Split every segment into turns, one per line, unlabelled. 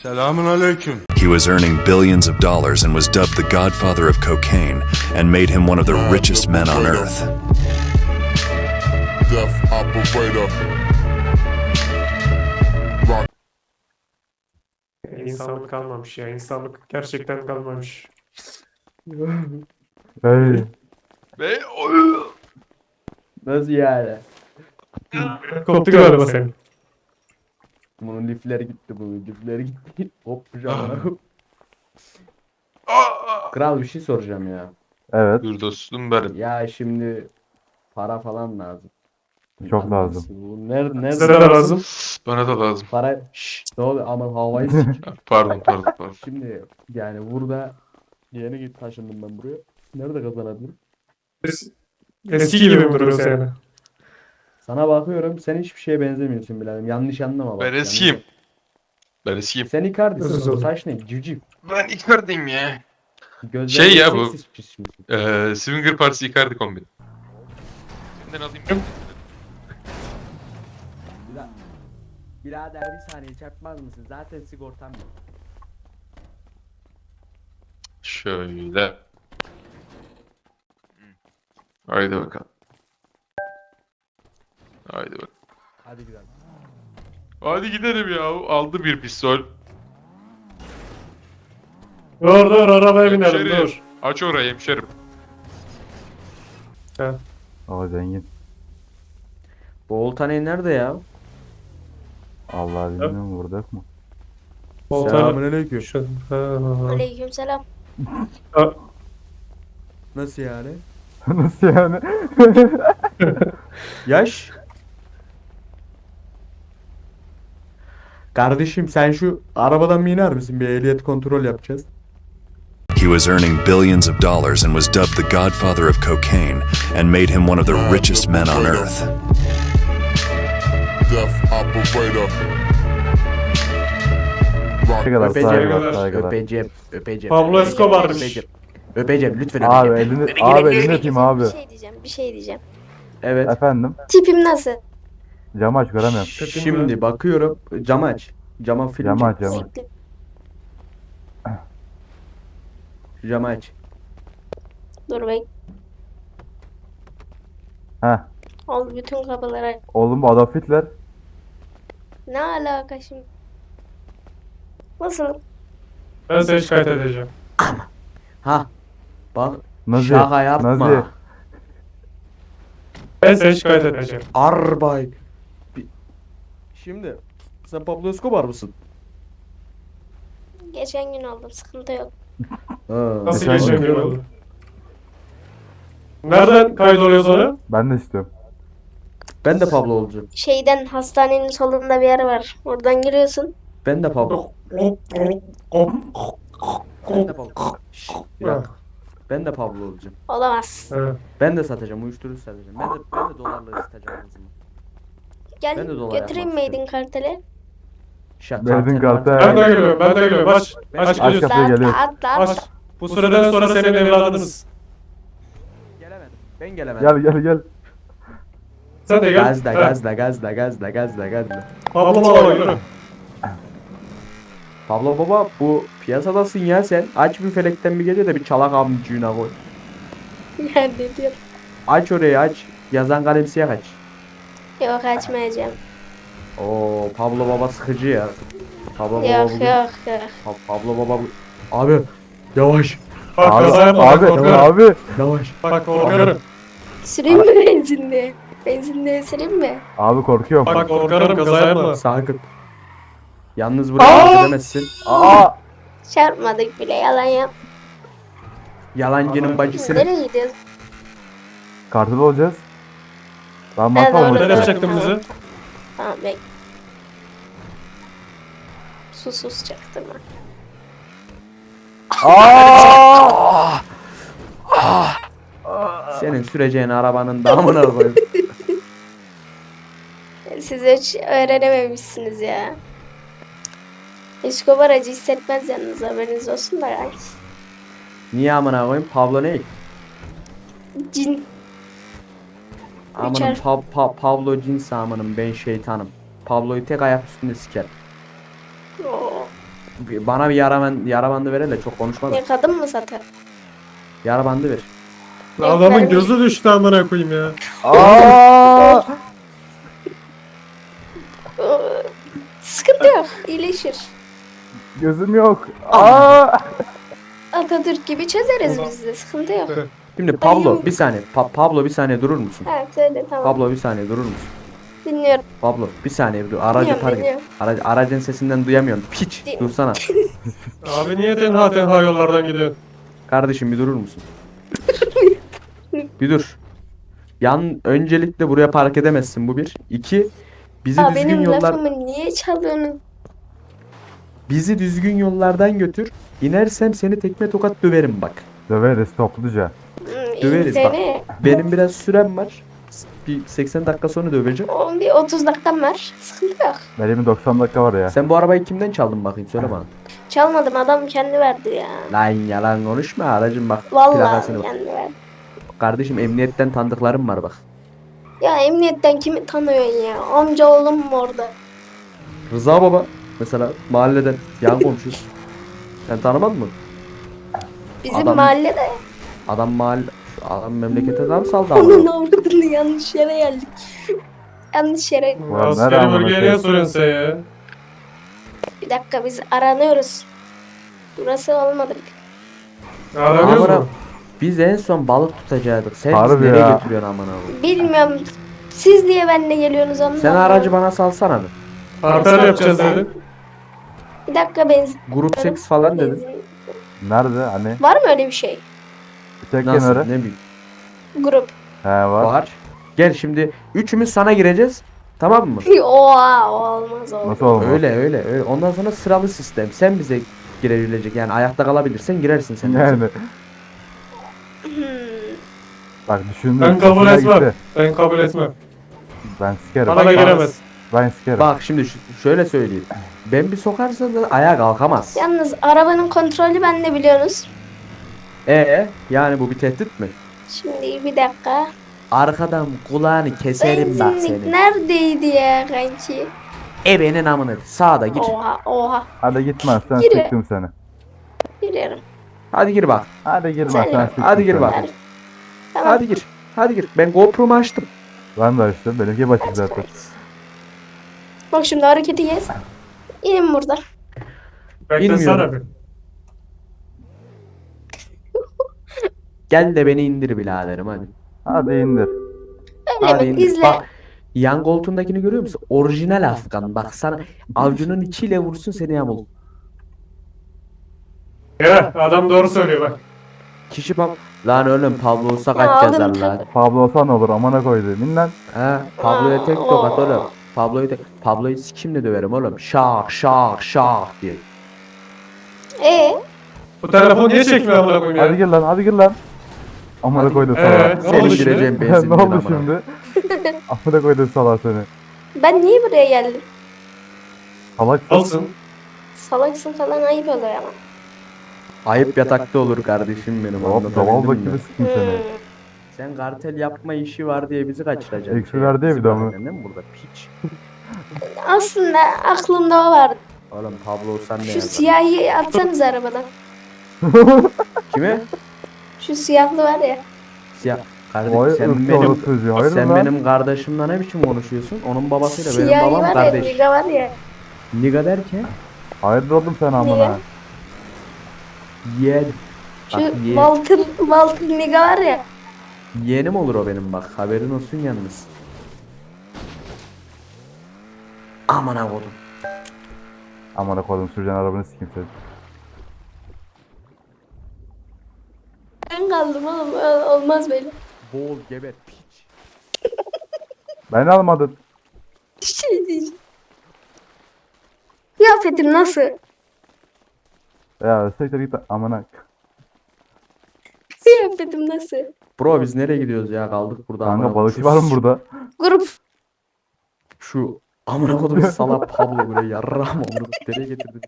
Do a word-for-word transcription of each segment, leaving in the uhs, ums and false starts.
Selamun aleyküm.
He was earning billions of dollars and was dubbed the godfather of cocaine and made him one of the richest men on earth.
Death operator. Rock.
İnsanlık kalmamış ya. İnsanlık gerçekten kalmamış.
Hey.
Ve oy.
Nasıl yani?
Koptu galiba senin.
Bunun lifleri gitti, bunun lifleri gitti. Hop pijama.
Aa!
Kral bir şey soracağım ya.
Evet.
Dur dostum benim.
Ya şimdi para falan lazım.
Çok lazım.
Bu nerede
Size de
nerede?
lazım.
Bana da lazım.
Para şşş ne oluyor aman havayı sik.
Pardon pardon pardon.
Şimdi yani burada yeni git taşındım ben buraya. Nerede kazanabilirim?
Biz eski gibi mi duruyorsun yani?
Sana bakıyorum sen hiçbir şeye benzemiyorsun biraderim. Yanlış anlama bak.
Ben
yanlış-
eskiyim. Ben eskiyim.
Sen Icardi'sin.
Nasıl
Bu
oldu?
saç ne? Civciv.
Ben Icardi'yim ya.
Gözlerin
Şey ya bu-
seksi çizmişsin.
Ee, Swinger Partisi Icardi kombini. Senden alayım.
Bira- Birader bir saniye çarpmaz mısın? Zaten sigortam yok.
Şöyle. Haydi bakalım. Haydi bakalım.
Hadi gidelim.
Hadi gidelim ya. Aldı bir pistol.
Dur dur arabaya binelim
Hemşerim.
dur.
Aç orayı hemşerim.
Ha.
O zengin.
Bu Oltaney nerede ya?
Allah bilmiyorum burada yok mu?
Oltan.
Selamünaleyküm.
Şu. Ha.
Aleykümselam.
Ha.
Nasıl yani?
Nasıl yani?
Yaş? Kardeşim sen şu arabadan mı iner misin? Bir ehliyet kontrol yapacağız.
He was earning billions of dollars and was dubbed the godfather of cocaine and made him one of the richest men on earth.
Death operator.
Ne kadar
Öpeceğim,
saygılar saygılar.
öpeceğim, öpeceğim.
Pablo Escobar'mış.
Öpeceğim, öpeceğim lütfen
Abi
öpeceğim.
elini, abi elini öpeyim abi.
Bir şey diyeceğim, bir şey diyeceğim.
Evet.
Efendim.
Tipim nasıl?
Camı aç göremiyorum.
Şimdi bakıyorum. Cam aç. Cama film
Camı
çek.
aç camı.
Siktir.
Camı aç.
Dur bek.
Heh.
Al bütün kapılara.
Oğlum bu Adolf Hitler.
Ne alaka şimdi? Nasıl?
Ben seni şikayet edeceğim.
Ha. Bak.
Nazi.
Şaka yapma.
Nazi.
Ben seni şikayet edeceğim.
Arbay. Bi- Şimdi sen Pablo Escobar mısın?
Geçen gün oldum, sıkıntı yok.
Ha.
Nasıl
Geçen
geçen
gün.
gün oldu? Nereden kaydoluyoruz onu?
Ben de istiyorum.
Ben de Pablo olacağım.
Şeyden hastanenin solunda bir yer var. Oradan giriyorsun.
Ben de Pablo. Ben de Pablo. Şşş, bir dakika. Ben de Pablo olacağım.
Olamaz.
Ha.
Ben de satacağım, uyuşturucu satacağım. Ben de ben de dolarla satacağım kızımı.
Gel
Ben de dolar
götüreyim
yapmak
miydin kartele?
Şa-
Verdin kartı.
Ben de geliyorum, ben de geliyorum. Aç, aç
Aç
geliyorsun.
kapıyı
Atla
geliyor.
atla atla.
Aç. Bu süreden sonra senin evladınız.
Gelemedim. Ben gelemedim.
Gel gel gel.
Sen de gel.
Gazla,
Ha.
gazla, gazla, gazla, gazla, gazla.
Pablo Mala yürü.
Pablo baba bu piyasadasın ya sen. Aç bir felekten bir gece de bir çalak amcığına koy.
Ya ne diyor?
Aç orayı aç. Yazan kalem siyah aç.
Yok açmayacağım.
Oo Pablo baba sıkıcı ya. Pablo baba
Yok
bugün-
yok yok.
Pa- Pablo baba bu- Abi yavaş
Bak
Abi
kaza yapma,
abi
bak korkarım.
abi.
yavaş.
Bak korkarım.
Süreyim mi benzinli? Benzinli süreyim mi?
Abi korkuyorum.
Bak korkarım kaza yapma.
Sakın. Yalnız buraya gidemezsin.
Aa.
Çarpmadık bile, yalan yap.
Yalancının bacısını.
Nereye gidiyoruz?
Kartıda olacağız. Ben
Ben
masal
orada-
Nereye
mı?
yapacaktın bizi?
Tamam bek. Sus sus çaktırma.
Aa!
Senin süreceğin arabanın damına koy.
Siz hiç öğrenememişsiniz ya. Escobar acı hissetmez yalnız, haberiniz olsun da yani.
Niye amına koyayım? Pablo ne?
Cin.
Amanın
Üçer.
pa- pa- Pablo cins amanın ben şeytanım. Pablo'yu tek ayak üstünde siker.
Oo.
Bir- Bana bir yara, ben, yara bandı verin de çok konuşma da.
Ne kadın mı satar?
Yara bandı ver.
Adamın gözü düştü amına koyayım ya.
Aa!
Ee, Sıkıntı yok. İyileşir.
Gözüm yok. Aa!
Atatürk gibi çözeriz biz de. Sıkıntı yok.
Şimdi Pablo
Ayım.
bir saniye. Pa- Pablo bir saniye durur musun?
Ha söyle tamam.
Pablo bir saniye durur musun?
Dinliyorum.
Pablo bir saniye bir dur. Aracı
Dinliyorum,
park et.
dinliyorum.
Aracı, aracın sesinden duyamıyorum. Piç
Din-
dursana.
Abi niye tenha tenha yollardan gidiyorsun?
Kardeşim bir durur musun? Bir dur. Yan öncelikle buraya park edemezsin bu bir. İki. Bizi
Aa,
düzgün
benim
yollar
lafımı niye çalıyorsunuz?
bizi düzgün yollardan götür. İnersem seni tekme tokat döverim bak.
Döveriz topluca.
Hmm,
Döveriz
iyi
bak.
seni.
Benim biraz sürem var. Bir seksen dakika sonra döveceğim.
On bir otuz dakikam var. Sıkıntı yok.
Benim doksan dakika var ya.
Sen bu arabayı kimden çaldın bakayım söyle bana.
Çalmadım adam kendi verdi ya.
Lan yalan konuşma aracın bak
Vallahi
plakasını bak.
kendi verdi.
Kardeşim emniyetten tanıdıklarım var bak.
Ya emniyetten kimi tanıyorsun ya? Amca oğlum mu orada?
Rıza baba mesela mahalleden yan komşu. Sen tanımadın mı?
Bizim
Adam-
mahallede.
Adam mahalle adam memlekete adam saldı
Onun
ama.
avradını yanlış yere geldik. yanlış yere.
Ulan nereye
Askeri
amına
bölgeye niye
koyayım?
soruyorsun sen ya?
Bir dakika biz aranıyoruz. Burası olmadı.
Aramıyoruz
Amına-
mu?
Biz en son balık tutacaktık. Sen bizi
Harbi
nereye
ya.
götürüyorsun amına koyayım?
Bilmiyorum. Siz niye benimle geliyorsunuz ondan?
Sen aracı bana salsana bir.
Parter yapacağız dedi.
Bir dakika benzin.
Grup seks falan dedin.
benzin.
Nerede? Hani?
Var mı öyle bir şey?
Çek
Nasıl?
kenara.
Ne bileyim.
Grup.
He var.
Var. Gel şimdi üçümüz sana gireceğiz. Tamam mı?
Oha olmaz olmaz.
Nasıl olmaz?
Öyle öyle öyle. Ondan sonra sıralı sistem. Sen bize girebilecek yani ayakta kalabilirsen girersin sen. bize.
Yani.
Hmm.
Bak düşündüm.
Ben kabul
hoşuna
etmem.
gitti.
Ben kabul etmem.
Ben sikerim.
Bana
Ben-
giremez.
Ben sikerim.
Bak şimdi şu- şöyle söyleyeyim. Ben bir sokarsam da ayağa kalkamaz.
Yalnız arabanın kontrolü bende biliyorsunuz.
Ee yani bu bir tehdit mi?
Şimdi bir dakika.
Arkadan kulağını keserim bak
Benzinlik
seni.
neredeydi ya kanki?
Ebenin amını. Sağda gir.
Oha oha.
Hadi gitmezsen
Gir.
sıktım seni.
Giriyorum.
Hadi gir bak.
Hadi girmezsen
Sen-
sıktım
Hadi gir
seni.
bak.
Tamam.
Hadi gir. Hadi gir. Ben GoPro'mu açtım.
Ben de açtım. Benimki başı zaten.
Bak şimdi hareketi yes. İnin burada.
Beklesene
İnmiyorum.
bir.
Gel de beni indir biraderim hadi.
Hadi indir.
Öyle
Hadi
mi?
indir.
İzle.
Bak. Yan koltuğundakini görüyor musun? Orijinal Afgan. Bak sana avcunun içiyle vursun seni yamul.
Ya adam doğru söylüyor bak.
Kişi bak. Lan oğlum Pablo olsa
Ya
kaç
aldım
yazar lan.
tabii.
Pablo olsa ne olur amına koydu. Minlen.
He Pablo'ya tek tokat oğlum. Pablo'yu tek Pablo'yu sikimle döverim oğlum. Şak şak şak diye.
Ee,
Bu telefon niye çekmiyor amına koyayım
Hadi
ya?
gir lan hadi gir lan. Amına koydu
Ee,
salak.
ne
Seni
oldu şimdi?
gireceğim
ne
benzinden
oldu
amına.
şimdi? Amına koydu salak seni.
ben niye buraya geldim?
Salak.
Alsın.
Salaksın falan ayıp oluyor ama.
Ayıp yatakta olur kardeşim benim.
Hop
anlatabildim
daval
mi?
bakımı sikim seni.
Hmm.
Sen kartel yapma işi var diye bizi kaçıracaksın.
Eksi verdi ya bir de ama.
Değil mi burada piç?
Aslında aklımda o vardı.
Oğlum Pablo sen ne
Şu
yazar?
siyahi atsanız arabadan.
Kime?
Şu siyahlı var ya.
Siyah. Kardeşim
Vay
sen
ırkçı
benim
orası çocuğu. Hayır
sen
lan.
benim kardeşimle ne biçim konuşuyorsun? Onun babasıyla benim
Siyahi
babam
var ya.
kardeş.
Niga var ya.
Niga derken
Hayırdır oğlum sen
Niye?
amına.
yeğen.
Şu
Bak yeğen.
Walter, Walter Niga var ya.
Yeğenim olur o benim bak. Haberin olsun yalnız. Aman avodum.
Amına koydum süreceğin arabanı sikim seni.
Ben kaldım oğlum. Ol- Olmaz böyle.
Boğul geber piç.
Beni almadın.
Şey diyeceğim. Kıyafetim nasıl?
Ya siktir git amına.
Kıyafetim nasıl?
Bro biz nereye gidiyoruz ya? Kaldık burada. amına
Kanka
koyayım.
balıkçı
Şu-
var mı burada?
Grup.
Şu amına kodum salak Pablo buraya yarrağım onu nereye getirdin?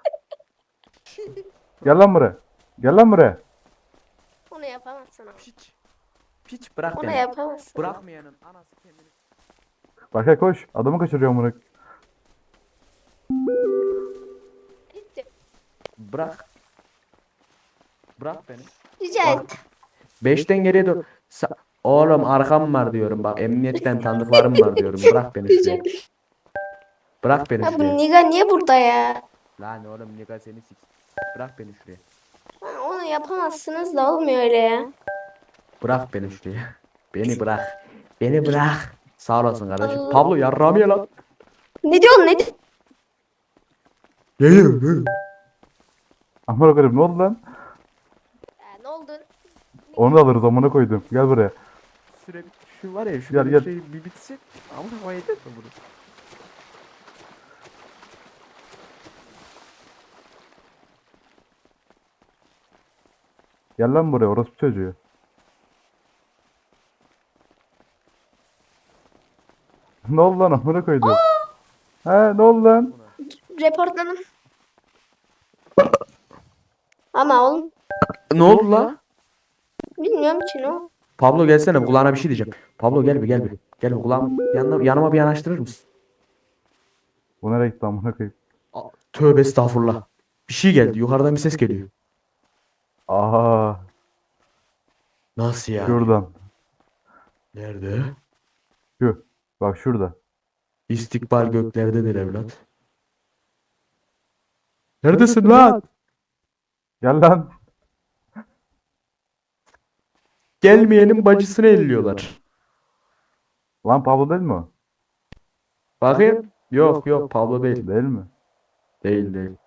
Gel lan buraya. Gel lan buraya.
Onu yapamazsın ama.
Piç. Piç bırak
Onu
beni.
yapamazsın.
Bırakmayanın anası kendini.
Berkay koş. Adamı kaçırıyor amına.
Bırak. Bırak beni.
Rica
Bak.
et.
Beşten geriye dur. Sa- Oğlum arkam var diyorum. Bak emniyetten tanıdıklarım var diyorum. Bırak beni
Rica
şuraya.
ederim.
Bırak beni
Ya bu
şuraya.
Niga niye burada ya?
Lan oğlum Niga seni sik. Bırak beni şuraya.
Ha, onu yapamazsınız da olmuyor öyle ya.
Bırak beni şuraya. Beni bırak. Beni bırak. Sağ olasın kardeşim.
Allah.
Pablo yarrağımı ye lan.
Ne diyorsun ne diyorsun?
Ye.
Amına koyayım ne oldu lan?
Ya, ne oldu?
Onu da alırız amına koydum. Gel buraya.
Süre bit. Şu var ya şu
Gel,
bir
gel.
şey bir bitsin. Ama havaya yeter mi bunu?
Gel lan buraya orospu çocuğu. Ne oldu lan amına koydum. He ne oldu lan?
Reportladım. Ama oğlum
Ne oldu la?
bilmiyorum ki ne oldu.
Pablo gelsene kulağına bir şey diyeceğim. Pablo gel bir gel bir. Gel bir kulağım yanına, yanıma bir yanaştırır mısın?
Bu nereye gitti amına koyayım?
Aa, tövbe estağfurullah. Bir şey geldi. Yukarıdan bir ses geliyor.
Aa
Nasıl ya?
şuradan.
Nerede?
Şu. Bak şurada.
İstikbal göklerdedir evlat. Neredesin lan?
Gel lan.
Gelmeyenin bacısını elliyorlar.
Lan Pablo değil mi o?
Bakayım. Yok yok Pablo değil.
Değil mi?
Değil değil.